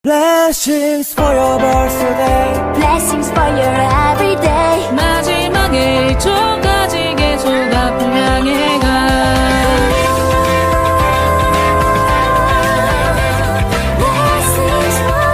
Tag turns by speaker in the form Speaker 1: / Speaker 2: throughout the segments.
Speaker 1: Blessings for your birthday.
Speaker 2: Blessings for your everyday.
Speaker 3: 마지막에 1초까지 계속 앞을 향해 가.
Speaker 2: Blessings for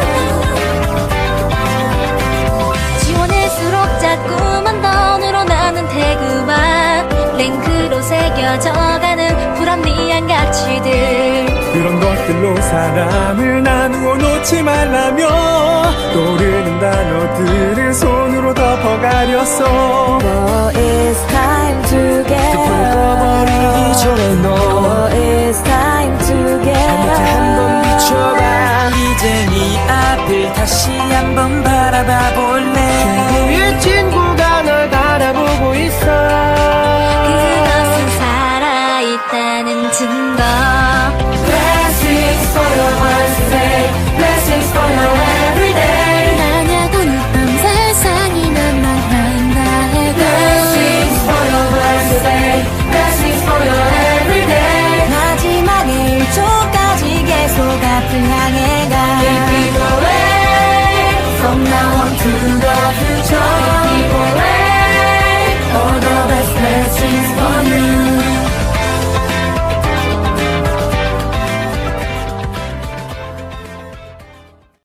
Speaker 2: you. 지원할수록 자꾸만 더 늘어나는 태그와 랭크로 새겨져가는 불합리한 가치들.
Speaker 1: 그런 것들로 사람을 나누어 놓지 말라며 떠오르는 단어들을 손으로 덮어가렸어.
Speaker 4: But it's time to get up.
Speaker 1: 꺼버리기 전에 너
Speaker 4: But it's time to get up.
Speaker 1: 한번 비춰봐. 이제 네 앞을 다시 한번 바라봐보.